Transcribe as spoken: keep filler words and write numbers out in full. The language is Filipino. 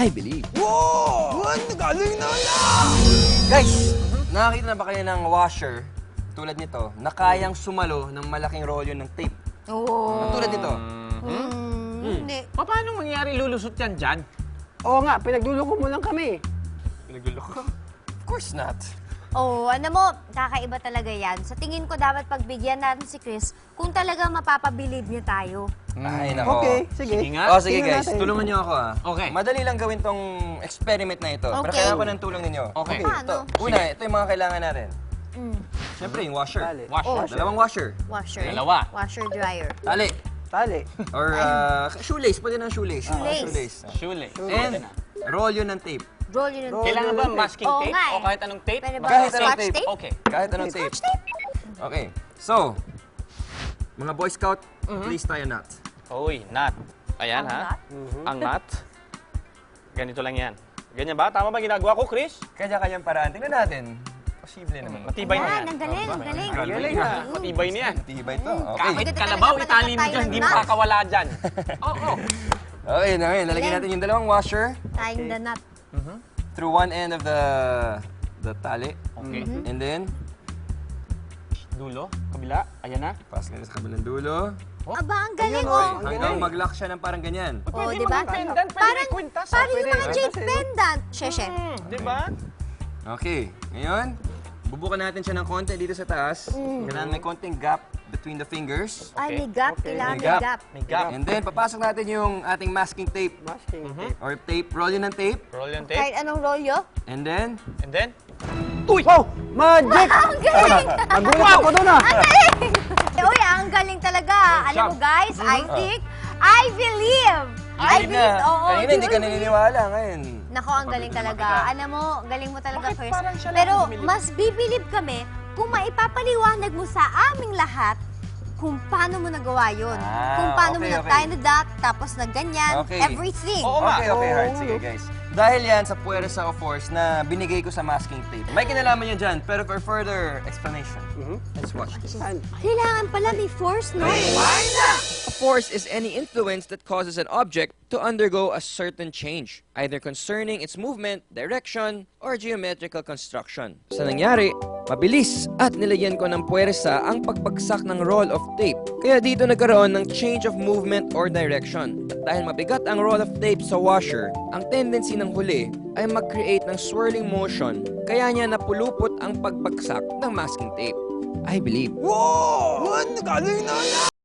I believe. Wow! Ang galing na na! Guys, nakakita na ba kayo ng washer tulad nito na kayang sumalo ng malaking rolyo ng tape? Oo. Tulad nito. Hmm, hindi. Paano mangyari lulusot yan dyan? Oo nga, pinagluloko mo lang kami. Pinagluloko. Of course not. Oo, ano mo, kakaiba talaga yan. Sa tingin ko dapat pagbigyan natin si Chris kung talaga mapapabilib niya tayo. Ay, nako. Okay, sige. Sige nga. Oh, sige Tingnan guys, natin. tulungan niyo ako ah. Okay. Madali lang gawin tong experiment na ito. Pero Okay. kailangan ko ng tulong ninyo. Okay. Paano? Una, ito yung mga kailangan natin. Mm. Siyempre, yung washer. Tali. Washer. Oh. Dalawang washer. Washer. Dalawa. Washer dryer. Tali. Tali. Or uh, shoelace. Pwede ng shoelace. Shoelace. Ah, Shoelace. And rolyo ng tape. Roll yun ng Kailangan ba masking Oo tape nga eh. o kahit anong tape? Pwede ba Kahit anong scotch tape. tape? Okay. Kahit anong tape. Scotch tape? Okay. So, mga Boy Scout, please tie a knot. Uy, nut. Ayan Ang ha. knot? Ang nut. Ganito lang yan. Ganyan ba? Tama ba ginagawa ko, Chris? Kanya-kanyang paraan. Tingnan natin. Posible naman. Matibay na Yan, yan. ang galing, ang galing. Galing ha. Matibay na yan. Matibay to. Okay. Kahit Maganda kalabaw, talaga itali mo pala dyan, hindi tayo ng nut. makakawala dyan. Oo. Okay, na ngayon. Lalagyan natin yung dalawang washer Tying the knot. through one end of the the tali. Okay. And then, Dulo, kabila, ayan na. pass nila sa kabilang dulo. Aba, ang galing Ayun, oh. Hanggang mag-lock siya ng parang ganyan. Oh, di ba? Pendant, pwede Parang, may kwintas. parang yung mga Pwede. jade pendant. Sheshe. Hmm, di ba? Okay. Ngayon, bubukan natin siya ng konti dito sa taas. Kailangan may konting gap between the fingers. Ay, may gap. Kailangan May may gap. gap. May gap. And then, papasok natin yung ating masking tape. Masking Mhm. tape. Or tape, roll yun ng tape. Roll yung tape. Kahit anong rolyo. And then, And then, Wow! Magic! Ang galing! Nagulat ako doon ah! Ang galing! Uy, ang galing talaga. Alam mo guys, I think, I believe. I believe, oo. Kanina, hindi ka naniniwala. Ngayon, Nako, ang galing talaga. Alam mo, galing mo talaga, Bakit Chris. parang siya lang Pero bumilib? mas bibilib kami kung maipapaliwanag mo sa aming lahat kung paano mo nagawa yun. Ah, kung paano mo okay, na-tie okay. na dot, tapos na ganyan, Okay. everything. Oo nga. okay, okay, heart. Sige, guys. Dahil yan sa puwersa of force na binigay ko sa masking tape. May kinalaman yan dyan, pero for further explanation, let's watch this. Kailangan pala may force, no? A force is any influence that causes an object to undergo a certain change, either concerning its movement, direction, or geometrical construction. Sa nangyari, mabilis at nilagyan ko ng puwersa ang pagbagsak ng roll of tape. Kaya dito nagkaroon ng change of movement or direction. At dahil mabigat ang roll of tape sa washer, ang tendency ng huli ay mag-create ng swirling motion, kaya niya napulupot ang pagbagsak ng masking tape. I believe. wow! Ang galing na